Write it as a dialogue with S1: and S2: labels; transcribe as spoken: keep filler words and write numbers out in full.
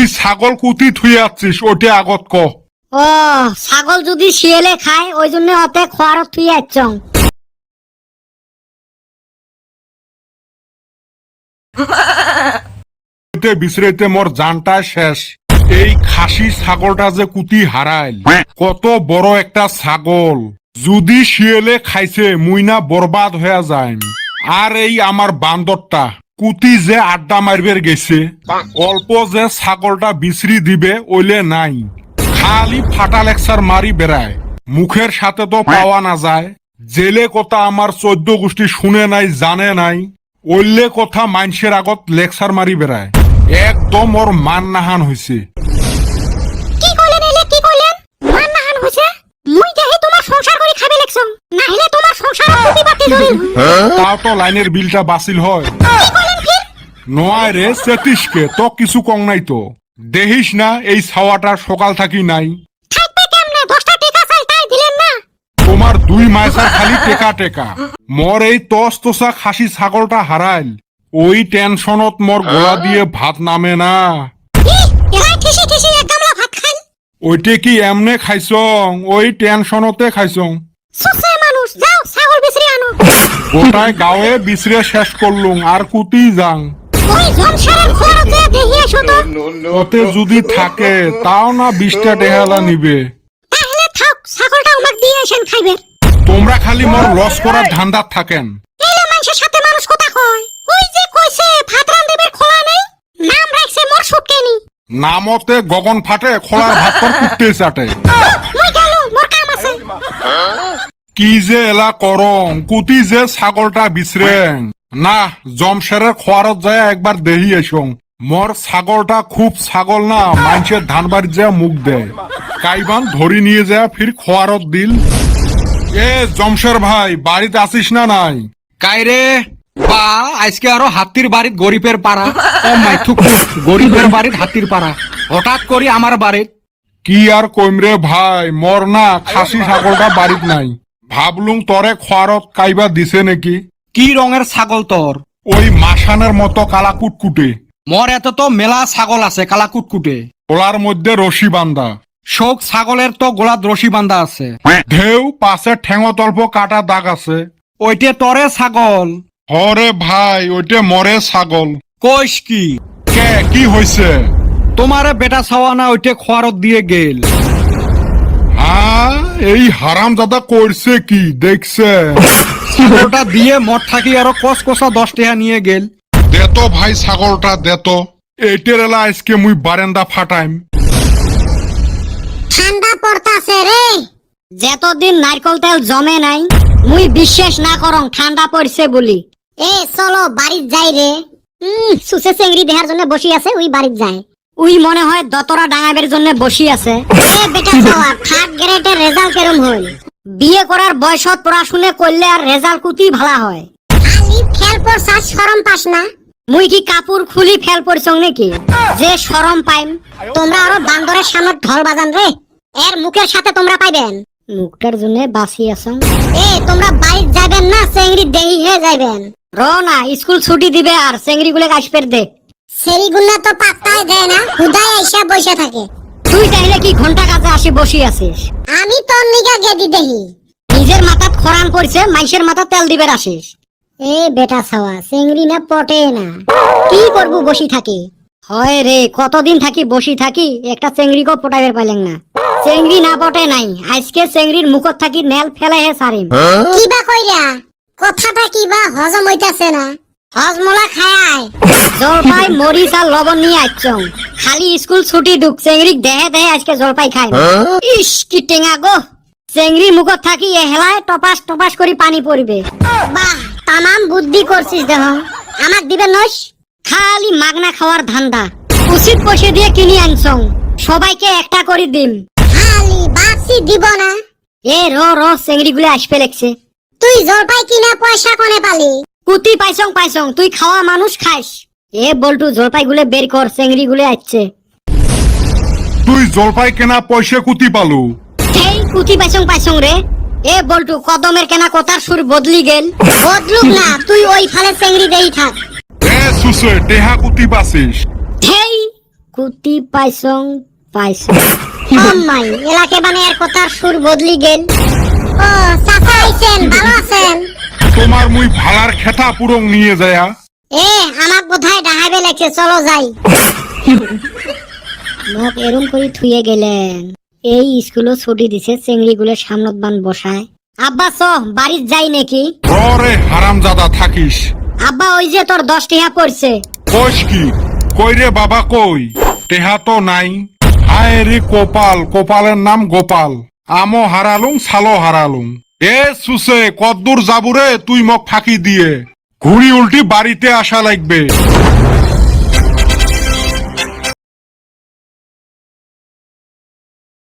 S1: ছাগল কুতি থুই আছিস ওটা আগত ক।
S2: ও ছাগল যদি শিয়ালে খায় ওই জন্য অতে খোয়ারত থুই আইছং।
S1: বিছরাইতে মোর জানটা শেষ। এই খাসি ছাগলটা যে কুতি হারাইল, কত বড় একটা ছাগল, যদি শিয়ালে খাইছে মুই না বরবাদ হয়ে যায়। আর এই আমার বান্দরটা কুতি যে আড্ডা মারবের গেছে, অল্প যে ছাগলটা বিছরি দিবে ওইলে নাই, খালি ফাটা লেকচার মারি বেড়ায়, মুখের সাথে তো পাওয়া না যায়। জেলে কথা আমার চোদ্দ গোষ্ঠী শুনে নাই জানে নাই, ওইলে কথা মানুষের আগত লেকচার মারি বেড়ায়। একদম ওর মান নাহান হয়েছে।
S2: কি কইলেন এলে কি কইলেন? মান নাহান হইছে? মুই দেহি তোমার সংসার করি খাবে লেকছং, না হলে তোমার সংসার কুতি বাতি ধরিল।
S1: তাও তো লাইনের বিলটা বাসিল হয়।
S2: কি কইলেন ফির?
S1: নয় রে সেতিশকে তো কিছু কম নাই তো। দেখিস না এই ছাওয়াটা সকাল থাকি নাই।
S2: থাকবে কেমনে? দশটা টাকা চাই তাই দিলেন না।
S1: তোমার দুই মাইসার খালি টেকা টেকা। মোর এই তস তসা খাসি ছাগলটা হারাইল, ওই টেনশনত মোর গোলা দিয়ে ভাত নামে না।
S2: এলাই ঠেসি ঠেসি এক গামলা ভাত খাই।
S1: ওইটে কি এমনে খাইছং? ওই টেনশনতে খাইছং।
S2: সুসে মানুষ, যাও ছাগল বিচরি আনো।
S1: গোটায় গাঁয়ে বিছরে শেষ করলুম, আর কুতি যাং।
S2: ওই জমশারের খরচে দেহি এসো তো।
S1: ওতে যদি থাকে তাও না বিশটা টেহালা নিবে।
S2: তাহলে থাক, ছাগলটা আমাক দিয়ে আসেন খাইবে।
S1: তোমরা খালি মোর লস করার ধান্দাত থাকেন।
S2: এলে মানুষের সাথে মানুষ কথা কয়। ওই যে কইছে ভাত রান্ধিবের খোলা নাই, নাম রাখছে মোর সুটকেনি।
S1: নামতে গগন ফাটে, খোলার ভাত পর কুটতে চাটে।
S2: মুই গেলুম, মোর কাম আছে।
S1: কি যে এলা করং, কুতি যে ছাগলটা বিছরেং না, জমশেরের খোয়ারত যায় একবার দেহি এসং। মোর ছাগলটা খুব ছাগল না, মানুষের ধান বাড়ি যা মুখ দেয়, কাইবান ধরি নিয়ে যায় ফির খোয়ারত দিল। এ জমশের ভাই, বাড়িতে আসিস না নাই?
S3: কাইরে বা আজকে আরো হাতির বাড়িত গরিবের পাড়া। ও মাই থুক, গরিবের বাড়িত হাতির পাড়া, হঠাৎ করি আমার বাড়িত।
S1: কি আর কইমরে ভাই, মর না খাসি ছাগলটা বাড়িত নাই, ভাবলুম তরে খোয়ারত কাইবা দিছে নাকি।
S3: কি রঙের ছাগল তোর?
S1: ওই মাসানের মতো কালা কুটকুটে।
S3: মোর এত তো মেলা ছাগল আছে কালা কুটকুটে।
S1: ওলার মধ্যে রশি বান্ধা।
S3: শোক ছাগলের তো গোলাত রশি বান্ধা আছে।
S1: ঢেউ পাশে ঠেঙত অল্প কাটা দাগ আছে।
S3: ওইটে তরে ছাগল?
S1: হরে ভাই, ওইটে মরে ছাগল।
S3: কইস কি?
S1: কে কি হয়েছে?
S3: তোমারে বেটা ছাওয়া না ওইটে খোয়ারত দিয়ে গেল।
S1: হ্যাঁ, এই হারাম দাদা করছে কি দেখছে?
S3: ছাগলটা দিয়ে মদ থাকি আরো কস কষা দশ টাকা নিয়ে গেল।
S1: দেতো ভাই ছাগলটা দেতো। এইটের এলা আজকে মুই বারেন্দা ফাটাইম।
S2: ঠান্ডা পড়তাছে রে। যতদিন নারকল তেল জমে নাই, মুই বিশ্বাস না করং ঠান্ডা পড়ছে বলি। এ চলো বাড়িত যাই রে। হুম, সুসে চেংড়ি দেহার জন্য বসি আছে, ওই বাড়িত যায়। উই মনে হয় দতরা ডাঙাবের জন্য বসি আছে। এ বেটা ছাওয়া, থার্ড গ্রেডের রেজাল্ট কেরম হইল? বিয়ে করার বয়সত পড়াশুনে করলে আর রেজাল্ট কুতি ভালা হয়। খালি ফেল পড়ছাস, শরম পাস না? মুই কি কাপড় খুলি ফেল পড়ছং নাকি যে শরম পাইম? তোমরা আরো বান্দরের সামনে ঢল বাজান রে। এর মুখের সাথে তোমরা পাইবেন। মুখটার জন্য বাসি আছো। এ তোমরা বাইক যাবেন না চেংড়ি দেহি হয়ে যাবেন? র না, স্কুল ছুটি দিবে আর চেংড়ি গুলো আসপের দে। সেরিগুলা তো পাত্তাই দেয় না, হুদাই এসে বসে থাকে। তুই তাইলে কি ঘন্টা কাজে আসি বসি আছিস? আমি তোর নিগা গেদি দেহি। নিজের মাথাত খরান পড়ছে, মাইশের মাথা তেল দিবে আসিস। এ বেটা ছাওয়া, চেংড়ি না পটে না, কি করবো বসি থাকি? হয় রে, কতদিন থাকি বসি থাকি, একটা চেংড়িকে পটাইবার পাইলেন না। চেংড়ি না পটে নাই, আজকে চেংড়ির মুখত থাকি নেল ফেলে হে সারিম। কিবা কইরা কথাটা কিবা হজম হইতাছে না। হজমলা খায় জলপাই মরিচ আর লবণ নিয়ে আইছং। খালি স্কুল ছুটি দুক চেংড়ি দেহে দেহে আজকে জলপাই খায়। ইস কি টেঙা গো। চেংড়ি মুখত থাকি এহেলায় টপাস টপাস করে পানি পড়বে। বাহ, তামাম বুদ্ধি করছিস দেহ। আমাক দিবে নস? খালি মাগনা খাওয়ার ধান্দা। উচিত পয়সা দিয়ে কিনি আনছং, সবাইকে একটা করে দিম। খালি বাসি দিব না। এ র র, চেংড়ি গুলো আসবে লেগছে। তুই জলপাই কিনা পয়সা কোনে পালি? কুতি পাইছং পাইছং, তুই খাওয়া মানুষ খাইস। এ বল্টু, জলপাই গুলো বের কর, চেংড়ি গুলো আসছে।
S1: তুই জলপাই কেনা পয়সা কুতি পালু?
S2: এই কুতি পাইছং পাইছং রে। এ বল্টু, কদমের কেনা কথার সুর বদলি গেল। বদলুক না, তুই ওই ফালে চেংড়ি দেই থাক।
S1: এ সুসে টেহা কুতি পাছিস?
S2: হেই, কুতি পাইছং পাইছং মাই এলাকে মানে এর কথার সুর বদলি গেল। ও চাচা আইছেন, ভালো আছেন?
S1: তোমার মুই ভালার খেতা পুরং নিয়ে যায়া
S2: এ আমার কোথায় ডাহাবে লাগছে, চলো যাই। মোক এরম করে থুয়ে গেলেন। এই স্কুলও ছুটি দিছে, চেংড়িগুলো সামনত বান বসায়। আব্বা চ বাড়িত যাই নাকি?
S1: রে হারামজাদা থাকিস।
S2: আব্বা ওই যে তোর দশ টিহা পড়ছে।
S1: কইস কি? কই রে বাবা কই? টেহা তো নাই। হায় রে কোপাল, কোপালের নাম গোপাল। আমও হারালুম, ছালো হারালুম। এ সুসে কদ্দুর যাবুরে তুই মক ফাঁকি দিয়ে? ঘুড়ি উল্টি বাড়িতে আসা লাগবে।